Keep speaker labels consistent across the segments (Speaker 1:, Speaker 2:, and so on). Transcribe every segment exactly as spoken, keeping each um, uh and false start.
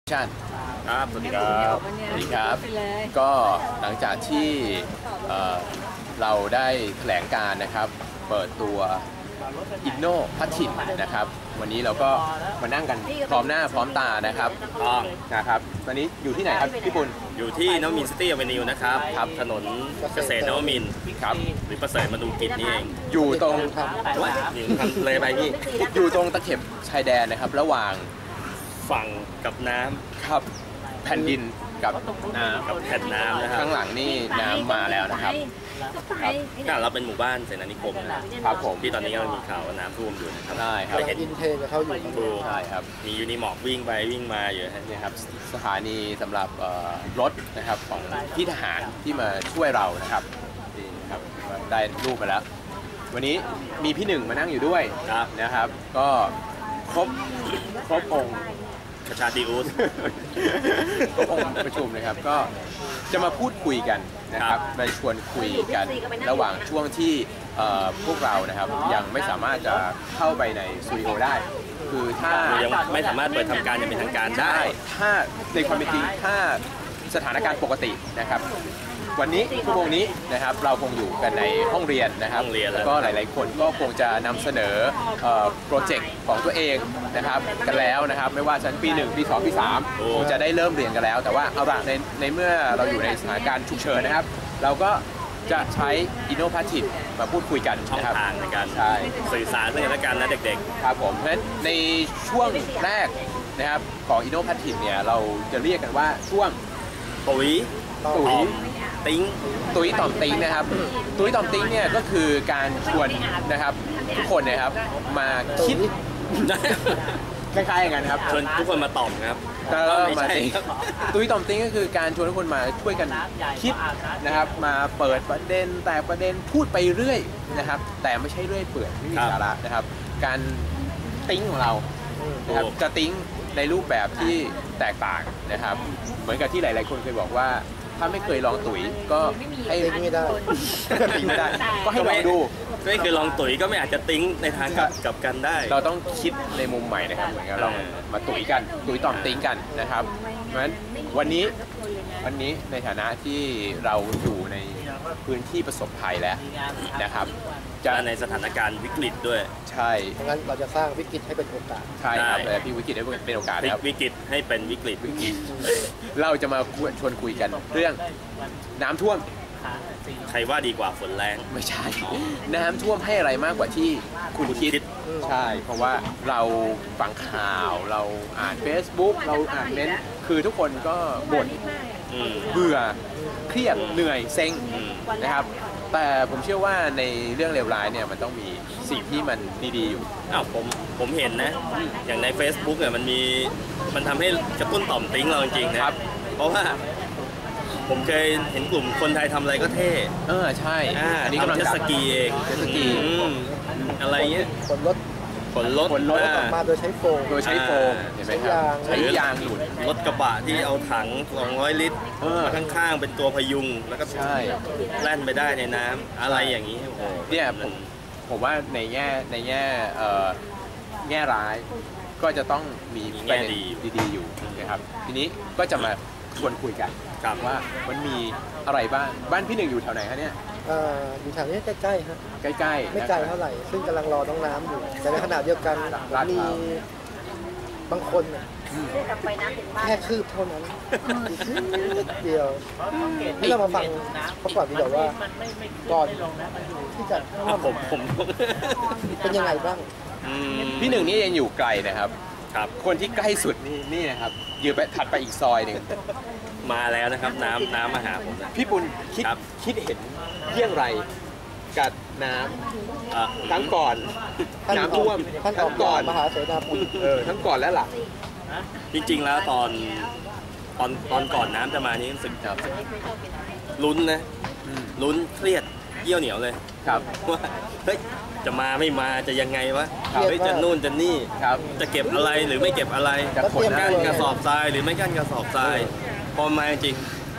Speaker 1: ชัน
Speaker 2: ครับสวัสดีครับ
Speaker 1: สวัสดีครับก็หลังจากที่เราได้แถลงการนะครับเปิดตัวอินโนพัททินนะครับวันนี้เราก็มานั่งกันพร้อมหน้าพร้อมตานะครับ
Speaker 2: ต้อง
Speaker 1: นะครับตอนนี้อยู่ที่ไหนครับพี่ปุณ
Speaker 2: อยู่ที่นวมินทร์ซิตี้อเวนิวนะครับครับถนนเกษตรนวมินทร์
Speaker 1: ครับ
Speaker 2: หรือประเสริฐมนุกิจนี่เอง
Speaker 1: อยู่ตรง
Speaker 2: ว่าอยู่ทำเลยไปพี่
Speaker 1: อยู่ตรงตะเข็บชายแดนนะครับระหว่าง
Speaker 2: ฝั่งกับน้ำ
Speaker 1: ครับแผ่นดินกับน้
Speaker 2: ำกับแผ่นน้ำนะครับ
Speaker 1: ข้างหลังนี่น้ำมาแล้วนะครับ
Speaker 2: ครับเราเป็นหมู่บ้านเสนานิคม
Speaker 1: ครับผม
Speaker 2: ที่ตอนนี้ก็มีข่าวว่าน้ำท่วมอยู่นะครับ
Speaker 1: ได้ครับ
Speaker 3: เห็นอินเทนเขาอยู่
Speaker 1: ใช่ครับ
Speaker 2: มียูนิมอร์กวิ่งไปวิ่งมาอยู่
Speaker 1: นี่ครับสถานีสำหรับรถนะครับของพี่ทหารที่มาช่วยเรานะครับนี่ครับได้รูปมาแล้ววันนี้มีพี่หนึ่งมานั่งอยู่ด้วยนะครับก็ครบครบองค์
Speaker 2: ประชาติอุส
Speaker 1: ครบองค์ประชุมนะครับก็จะมาพูดคุยกันนะครับมาชวนคุยกันระหว่างช่วงที่พวกเรานะครับยังไม่สามารถจะเข้าไปในสตูดิโอได้คือถ้า
Speaker 2: ยังไม่สามารถเปิดทำการอย่างเป็นทางการได้
Speaker 1: ถ้าในความเป็นจริงถ้าสถานการณ์ปกตินะครับวันนี้ชั่วโมงนี้นะครับเราคงอยู่กันในห้องเรียนนะครับแล้วก็หลายๆคนก็คงจะนำเสนอโปรเจกต์ของตัวเองนะครับกันแล้วนะครับไม่ว่าชั้นปีหนึ่งปีสองปีสามคงจะได้เริ่มเรียนกันแล้วแต่ว่าเอาละในในเมื่อเราอยู่ในสถานการณ์ฉุกเฉินนะครับเราก็จะใช้อินโนพัททินมาพูดคุยกัน
Speaker 2: ช่องทางในการสื่อสารเรื่องการนะเด็ก
Speaker 1: ๆครับผมเพราะฉะนั้นในช่วงแรกนะครับของอินโนพัททินเนี่ยเราจะเรียกกันว่าช่วง
Speaker 2: ตุ๋ย
Speaker 1: ตุ๋ย
Speaker 2: ติ้ง
Speaker 1: ตุ้ยต่อมติ้งนะครับตุ้ยต่อมติ้งเนี่ยก็คือการชวนนะครับทุกคนนะครับมาคิดคล้ายๆอย่างนั้นครับ
Speaker 2: ชวนทุกคนมาตอบครับ
Speaker 1: ไม่ใช่ตุ้ยต่อมติ้งก็คือการชวนทุกคนมาช่วยกันคิดนะครับมาเปิดประเด็นแต่ประเด็นพูดไปเรื่อยนะครับแต่ไม่ใช่เรื่อยเปื่อยไม่มีสาระนะครับการติ้งของเรานะครับจะติ้งในรูปแบบที่แตกต่างนะครับเหมือนกับที่หลายๆคนเคยบอกว่าถ้าไม่เคยลองตุ๋ยก็ให้
Speaker 3: ติ้งไม่ได้
Speaker 1: ติ้งไม่ได้ก็ให้ลองดู
Speaker 2: ไม่เคยลองตุ๋ยก็ไม่อาจจะติ้งในทางกับกันได้
Speaker 1: เราต้องคิดในมุมใหม่นะครับเหมือนกับเรามาตุ๋ยกันตุ๋ยต่อมติ้งกันนะครับเพราะฉะนั้นวันนี้วันนี้ในฐานะที่เราอยู่ในพื้นที่ประสบภัยแล้วนะครับ
Speaker 2: จะในสถานการณ์วิกฤตด้วย
Speaker 1: ใช่
Speaker 3: งั้นเราจะสร้างวิกฤตให้เป็นโอกาส
Speaker 1: ใช่ครับแต่พี่วิกฤตให้เป็นโอกาสครับ
Speaker 2: วิกฤตให้เป็นวิกฤตวิกฤต
Speaker 1: เราจะมาชวนคุยกันเรื่องน้ำท่วม
Speaker 2: ใครว่าดีกว่าฝนแรง
Speaker 1: ไม่ใช่น้ำท่วมให้อะไรมากกว่าที่คุณคิดใช่เพราะว่าเราฟังข่าวเราอ่าน Facebook เราอ่านเม้นต์คือทุกคนก็บ่นเบื่อเครียดเหนื่อยเซ็งนะครับแต่ผมเชื่อว่าในเรื่องเลวร้ายเนี่ยมันต้องมีสิ่งที่มันดีๆอยู่
Speaker 2: อ้าวผมผมเห็นนะอย่างใน Facebook เนี่ยมันมีมันทำให้กระตุ้นต่อมติ้งเราจริงๆนะครับเพราะว่าผมเคยเห็นกลุ่มคนไทยทำอะไรก็เท่
Speaker 1: เออใช่
Speaker 2: อันนี้กำลังเจ็ตสกีเอง
Speaker 1: เจ็ตสกี
Speaker 2: อะไรเงี้ย
Speaker 3: ขนรถ
Speaker 2: ขนรถ
Speaker 1: ขนรถ
Speaker 3: ออกมาโดยใช้โฟม
Speaker 1: โดยใช้โฟมเห็นไหมครับใช้ยางหลุด
Speaker 2: รถกระบะที่เอาถังสองร้อยลิตรข้างๆเป็นตัวพยุงแล้วก็แล่นไปได้ในน้ำอะไรอย่างนี้โอ้โห
Speaker 1: เนี่ยผมผมว่าในแง่ในแง่แง่ร้ายก็จะต้องมี
Speaker 2: แง่ดี
Speaker 1: ดีๆอยู่นะครับทีนี้ก็จะมาชวนคุยกันว่ามันมีอะไรบ้างบ้านพี่หนึ่งอยู่แถวไหนคะเนี่ย
Speaker 3: อยู่แถวนี้ใกล้ๆฮะ
Speaker 1: ใกล้ๆ
Speaker 3: ไม่ไกลเท่าไหร่ซึ่งกำลังรอน้องน้ำอยู่แต่ในขณะเดียวกันมีบางคนแค่คืบเท่านั้นเดียวที่เรามาฟังเขาก่อนดีกว่าว่าก่อนที่จะ
Speaker 2: ผมผม
Speaker 3: เป็นยังไงบ้าง
Speaker 1: พี่หนึ่งนี่ยังอยู่ไกลนะครับ
Speaker 2: ครับ
Speaker 1: คนที่ใกล้สุดนี่นี่นะครับอยู่ไปถัดไปอีกซอยหนึ่ง
Speaker 2: มาแล้วนะครับน้ำน้ำมาหาผม
Speaker 1: พี่ปุณคิดคิดเห็นเรื่องไรกับน้ำทั้งก่อนน้ำท่วม
Speaker 3: ทั้งก่อนมหาเสนาปุณ
Speaker 1: เออทั้งก่อนและหลัง
Speaker 2: จริงๆแล้วตอนตอนตอนก่อนน้ำจะมานี่รู้สึกลุ้นนะลุ้นเครียดเยี่ยวเหนียวเลย
Speaker 1: ครับ
Speaker 2: ว่าเฮ้ยจะมาไม่มาจะยังไงวะเฮ้ยจะนู่นจะนี่จะเก็บอะไรหรือไม่เก็บอะไรจะขนกั้นกระสอบทรายหรือไม่กั้นกระสอบทรายพอมาจริง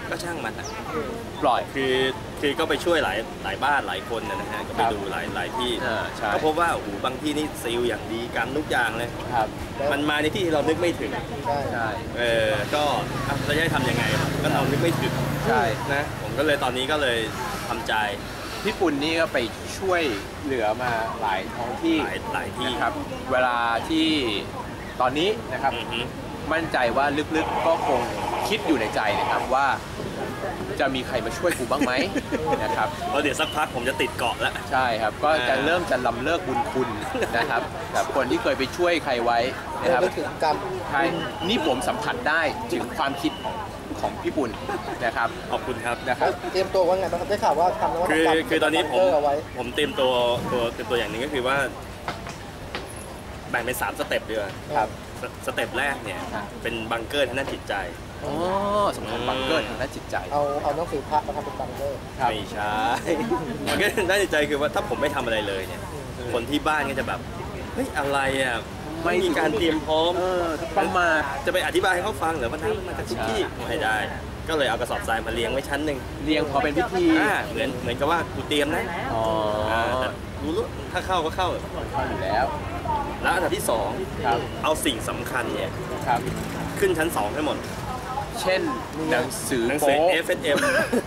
Speaker 2: ก็ช่างมันอะ
Speaker 1: ปล่อย
Speaker 2: คือคือก็ไปช่วยหลายหลายบ้านหลายคนนะฮะก็ไปดูหลายหลายที่
Speaker 1: อ่าใช่
Speaker 2: ก็พบว่าโอ้โหบางที่นี่ซีลอย่างดีกันทุกอย่างเลย
Speaker 1: ครับ
Speaker 2: มันมาในที่ที่เรานึกไม่ถึง
Speaker 3: ใช่
Speaker 1: ใช่
Speaker 2: เออก็อ่ะเราจะให้ทำยังไงก็เรานึกไม่ถึง
Speaker 1: ใช่
Speaker 2: นะผมก็เลยตอนนี้ก็เลยทำใจ
Speaker 1: พี่ปุ่นนี่ก็ไปช่วยเหลือมาหลายท้องที่
Speaker 2: หลายหลายที่
Speaker 1: นะครับ เวลาที่ตอนนี้นะครับ
Speaker 2: อือฮึ
Speaker 1: มั่นใจว่าลึกๆก็คงคิดอยู่ในใจนะครับว่าจะมีใครมาช่วยกูบ้างไหม นะครับ
Speaker 2: เพราะเดี๋ยวสักพักผมจะติดเกาะแล้ว
Speaker 1: ใช่ครับก็จะ
Speaker 2: อ่า
Speaker 1: เริ่มจะลำเลิกบุญคุณนะครับแบบคนที่เคยไปช่วยใครไว้นะครับ
Speaker 3: นึกถึงกรรม
Speaker 1: ใช่นี่ผมสัมผัสได้ถึงความคิดของของพี่ปุ่นนะครับ
Speaker 2: ขอบคุณครับ
Speaker 1: นะครับ
Speaker 3: เตรียมตัวว่าไงบ้างครับได้ข่าวว่าทำนวัต
Speaker 2: คือก
Speaker 3: รรม
Speaker 2: คือตอนนี้ผม
Speaker 3: บังเกอร์เอาไว้
Speaker 2: ผมเตรียมตัวตัวเป็นตัวอย่างหนึ่งก็คือว่าแบ่งเป็นสามสเต็ปเดียว
Speaker 1: ครับ
Speaker 2: สสเต็ปแรกเนี่ย
Speaker 1: ครับ
Speaker 2: เป็นบังเกอร์ทางด้านจิตใจ
Speaker 1: อ๋อสำคัญบังเกอร์ทางด้านจิตใจ
Speaker 3: เอาเอาหนังสือพระมาทำเป็นบังเกอร์
Speaker 1: ครับ
Speaker 2: ไม่ใช่ มันก็ด้านจิตใจคือว่าถ้าผมไม่ทำอะไรเลยเนี่ย คนที่บ้านก็จะแบบเฮ้ยอะไรอ่ะไม่มีการเตรียมพร้อม
Speaker 1: เออประมาท
Speaker 2: จะไปอธิบายให้เขาฟังเหรือว่าน้ำมันมาจากทุกที่ไม่ได้ ก็เลยเอากระสอบทรายมาเลี้ยงไว้ชั้นหนึ่ง
Speaker 1: เรียงพอเป็นพิธี
Speaker 2: อ่าเหมือนเหมือนกับว่ากูเตรียมนะ
Speaker 1: อ๋อ
Speaker 2: อ่าแต่รู้รู้ถ้าเข้าก็เข้า
Speaker 1: เข้าอยู่แล้ว
Speaker 2: แล้วอันดับที่สอง
Speaker 1: ครับ
Speaker 2: เอาสิ่งสำคัญเนี่ย
Speaker 1: ครับ
Speaker 2: ขึ้นชั้นสองให้หมด
Speaker 1: เช่นหนังสือ
Speaker 2: หนังสือ
Speaker 1: โป๊
Speaker 2: เอฟ เอส เอ็ม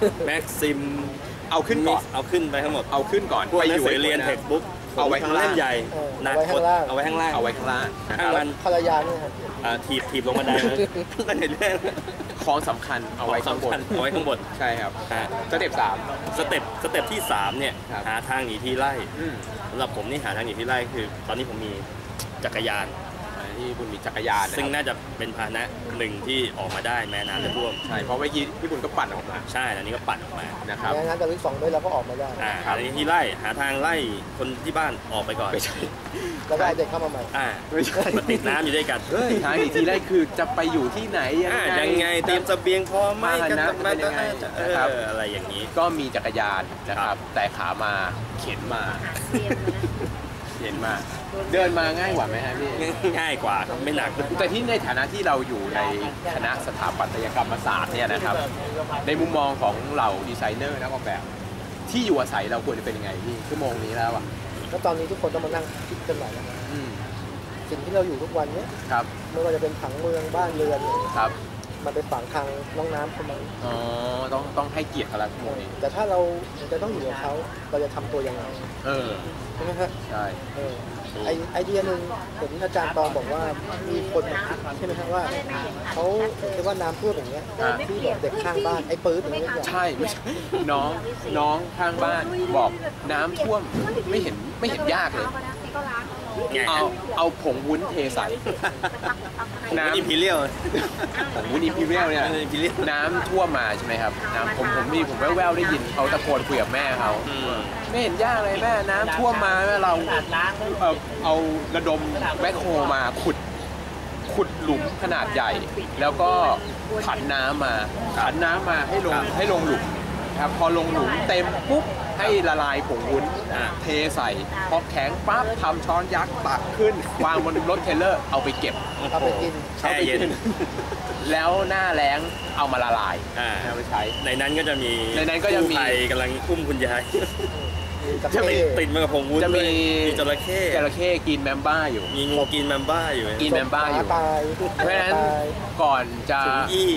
Speaker 2: Maxim
Speaker 1: เอาขึ้นก่อน
Speaker 2: เอาขึ้นไปทั้งหมด
Speaker 1: เอาขึ้นก่อน
Speaker 2: พวกหนังสือ
Speaker 1: ให้
Speaker 2: เรียน
Speaker 1: ค
Speaker 2: เท็กบุ๊ก
Speaker 1: เอาไว้ข้างล่าง
Speaker 2: เล่มใหญ่
Speaker 3: เออ
Speaker 2: หนัก
Speaker 3: เอาไว้ข้างล่าง
Speaker 2: เอาไว้ข้างล่าง
Speaker 1: เอาไว้ข้างล่างนะค
Speaker 2: ข้า
Speaker 1: รั
Speaker 2: ง
Speaker 1: บ
Speaker 2: มัน
Speaker 3: ภรรยาเนี่ยครับ
Speaker 2: อ่าถีบถีบลงบันไดเลยนั่นเห็นเรื่อง
Speaker 1: ของสำคัญเอาไว้ข้างบน
Speaker 2: เอาไว้ข้างบน
Speaker 1: ใช่ครับ
Speaker 2: ฮะ
Speaker 1: สเต็ปสาม
Speaker 2: สเต็ปสเต็ปที่สามเนี่ย
Speaker 1: ครับ
Speaker 2: หาทางหนีที่ไล่
Speaker 1: อืม
Speaker 2: สำหรับผมนี่หาทางหนีที่ไล่คือ ตอนนี้ผมมีจักรยาน
Speaker 1: ที่คุณมีจักรยานนะ
Speaker 2: ซึ่ง
Speaker 1: ครับ
Speaker 2: น่าจะเป็นพาหนะหนึ่งที่ออกมาได้แม้น้ำจะท่วม
Speaker 1: ใช่เพราะเมื่อกี้พี่บุญก็ปั่นออกมา
Speaker 2: ใช่อันนี้ก็ปั่นออกมา
Speaker 1: นะครับ
Speaker 3: งั้นแต่วิกสองด้วยเราก็ออกมาได้
Speaker 2: อ่า
Speaker 1: ครับ
Speaker 2: อันนี้ที่ไล่หาทางไล่คนที่บ้านออกไปก่อน
Speaker 1: ไม่ใช่
Speaker 3: แล้วก็เอาเด็กเข้ามาใหม่
Speaker 2: อ่า
Speaker 1: ไม่ใช่
Speaker 2: มาติดน้ำอยู่ด้วยกัน
Speaker 1: เฮ้ยทางอีกทีแรกคือจะไปอยู่ที่ไหนยัง
Speaker 2: อ่า
Speaker 1: ไง
Speaker 2: ยังไงเตรียมเสบียงพอไหม
Speaker 1: พาหนะ
Speaker 2: กั
Speaker 1: เป็นยังไง
Speaker 2: เอ
Speaker 1: นะครับ
Speaker 2: ออะไรอย่างนี้
Speaker 1: ก็มีจักรยานนะค
Speaker 2: ครั
Speaker 1: รับ
Speaker 2: บ
Speaker 1: แต่ขามาเข็นมาเข็นมา เดินมาง่ายกว่าไหมฮะพี่
Speaker 2: ง่ายกว่าครับไม่หนัก
Speaker 1: แต่ที่ในฐานะที่เราอยู่ในคณะสถาปัตยกรรมศาสตร์เนี่ยนะครับ ในมุมมองของเหล่าดีไซเนอร์นักออกแบบ ที่อยู่อาศัยเราควรจะเป็นยังไงพี่ชั่วโมงนี้แล้วอ่ะ
Speaker 3: แล้วตอนนี้ทุกคนต้องมานั่งคิดกันใหม่แล้วนะ
Speaker 1: อืม
Speaker 3: สิ่งที่เราอยู่ทุกวันเนี้ย
Speaker 1: ครับ
Speaker 3: ไม่ว่าจะเป็นผังเมืองบ้านเรือนเนี่ย
Speaker 1: ครับ
Speaker 3: มันไปฝังทางน้องน้ำเข้ามา
Speaker 1: อ๋อต้องต้องให้เกียรติเขาละชั่วโมงนี้
Speaker 3: แต่ถ้าเราจะต้องอยู่กับเขาเราจะทำตัวยังไง
Speaker 1: เออ
Speaker 3: ใช่ไหมฮะ
Speaker 1: ใช่
Speaker 3: เออไอไอเดียหนึ่งเห็นอาจารย์ตองบอกว่ามีคนมาคิดใช่ไหมครับว่าเขาเรียกว่าน้ำท่วมอย่างเงี้ยที่แบบเด็กข้างบ้านไอ้ปื๊ดอย่างเงี้ยอย่าง
Speaker 1: ใช่ไม่ใช่น้องน้องข้างบ้านบอกน้ำท่วมไม่เห็นไม่เห็นยากเลย
Speaker 2: ไง
Speaker 1: เอาเอาผงวุ้นเทใส่ น้ำ
Speaker 2: อิมพีเรียล
Speaker 1: ผงวุ้นอิมพีเรียลเนี่ย
Speaker 2: อิมพีเรียล
Speaker 1: น้ำท่วมมาใช่ไหมครับน้ำผมผมมีผมแว่วๆได้ยินเขาตะโกนคุยกับแม่เขาไม่เห็นยากเลยแม่น้ำท่วมมาแม่เราเอ่อเอาระดมแบคโฮมาขุดขุดหลุมขนาดใหญ่ แล้วก็ผันน้ำมาผันน้ำมาให้ลงให้ลงหลุมครับพอลงหลุมเต็มปุ๊บให้ละลายผงวุ้น
Speaker 2: อ่า
Speaker 1: เทใส่พอแข็งปั๊บทำช้อนยักษ์ตักขึ้น วางบนรถเทรลเลอร์เอาไปเก็บ
Speaker 3: เอาไปกิน
Speaker 2: แช่เย็น
Speaker 1: แล้วหน้าแล้งเอามาละลาย
Speaker 2: อ่า
Speaker 1: เอาไปใช้
Speaker 2: ในนั้นก็จะมี
Speaker 1: ในนั้นก็จะมี
Speaker 2: กู้ภัยกำลังอุ้มคุณยาย
Speaker 3: กับ
Speaker 1: จะมี
Speaker 3: เท่
Speaker 2: ติดมากับผงวุ้น
Speaker 1: จะมี
Speaker 2: ด้วยมีจระเข้
Speaker 1: จระเข้กินแมมบ้าอยู่
Speaker 2: มีงูกินแมมบ้าอยู่
Speaker 1: กิน แมมบ้าอยู่
Speaker 3: ตาย
Speaker 1: เพราะฉะนั้น
Speaker 3: ตาย
Speaker 1: ก่อนจะ
Speaker 2: ถุงอี้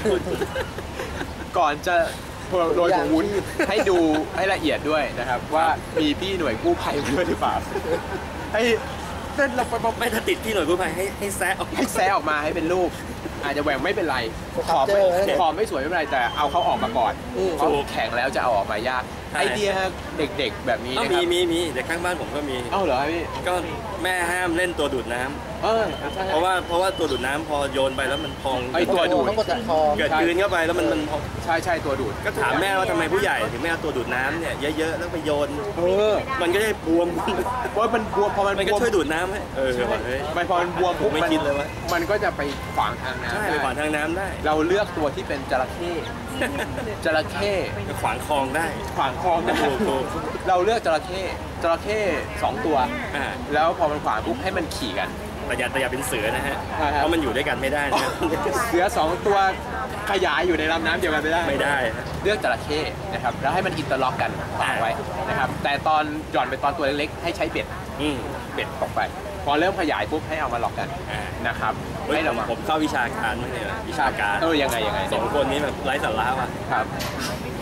Speaker 1: ก่อนจะโรยผงวุ้นให้ดูให้ละเอียดด้วยนะครับ ว่ามีพี่หน่วยกู้ภัยมาด้วยหรือเปล่าให้เต้นเราไป
Speaker 2: ไม่ถ้าติดที่หน่วยกู้ภัยให้ให้แซะออก
Speaker 1: ให้แซะออกมาให้เป็นรูป อาจจะแหว่งไม่เป็นไร
Speaker 3: ส
Speaker 1: ข
Speaker 3: ครับ
Speaker 1: อบ
Speaker 3: เจ
Speaker 1: ไม่
Speaker 3: อร์
Speaker 1: ขอบไม่สวยไม่เป็นไรแต่เอาเขาออกมาก่อน
Speaker 3: อืม
Speaker 1: เพราะแข็งแล้วจะเอาออกมายาก
Speaker 2: ใช่
Speaker 1: ไอเดียเด็กๆแบบนี้
Speaker 2: อ้าว
Speaker 1: นะค
Speaker 2: มี
Speaker 1: รับ
Speaker 2: มีมีเด็กข้างบ้านผมก็มี
Speaker 1: เอ้าเหรอครับพี่
Speaker 2: ก็แม่ห้ามเล่นตัวดูดน้ำ
Speaker 1: เออใช่
Speaker 2: เพราะว่าเพราะว่าตัวดูดน้ำพอโยนไปแล้วมันพอง
Speaker 1: ไอ้ตัวดูด
Speaker 3: ต้องกดติดคอ
Speaker 2: เกิดกลืนเข้าไปแล้วมันมันพอง
Speaker 1: ใช่ใช่ตัวดูด
Speaker 2: ก็ถามแม่ว่าทำไมผู้ใหญ่ถึงไม่เอาตัวดูดน้ำเนี่ยเยอะๆแล้วไปโยน
Speaker 1: เออ
Speaker 2: มันก็ได้บวม
Speaker 1: เพราะมันบวมพอมัน
Speaker 2: มัน
Speaker 1: บ
Speaker 2: ก็
Speaker 1: วม
Speaker 2: ช่วยดูดน้ำให้เออว่ะเฮ้ย
Speaker 1: มันพอมันบวมปุ๊บ
Speaker 2: ไม่
Speaker 1: มัน
Speaker 2: คิดเลยว่า
Speaker 1: มันก็จะไปขวางทางน้ำ
Speaker 2: ใช่
Speaker 1: ได้
Speaker 2: ไปขวางทางน้ำได้
Speaker 1: เราเลือกตัวที่เป็นจระเข้จระเข้
Speaker 2: ก็ขวางคลองได้
Speaker 1: ขวางคลองได้
Speaker 2: ถูกถูก
Speaker 1: เราเลือกจระเข้จระเข้สองตัว
Speaker 2: อ่า
Speaker 1: แล้วพอมันขวางปุ๊บให้มันขี่กัน
Speaker 2: ไปแต่อย่าแต่อย่าเป็นเสือนะฮะ
Speaker 1: ใช่ครับ
Speaker 2: เพราะมันอยู่ด้วยกันไม่ได้นะ
Speaker 1: เสือสองตัวขยายอยู่ในลำน้ำเดียวกันไม่ได้
Speaker 2: ไม่ได้
Speaker 1: เลือกจระเข้นะครับแล้วให้มันอินเตอร์ล็อกกันฝังไว้นะครับแต่ตอนหย่อนไปตอนตัวเล็กๆให้ใช้เบ็ด
Speaker 2: อืม
Speaker 1: เบ็ดตกไป พอเริ่มขยายปุ๊บให้เอามาล็อกกัน
Speaker 2: อ่า
Speaker 1: นะครับ
Speaker 2: เฮ้ย
Speaker 1: ให้
Speaker 2: ผ
Speaker 1: ระ
Speaker 2: ม
Speaker 1: วัง
Speaker 2: ผมเข้าวิชาการมั้งเนี่ยวิชาการ
Speaker 1: เออยังไงยังไง
Speaker 2: สองคนนี้แบบไร้สาระว่ะ
Speaker 1: ครับ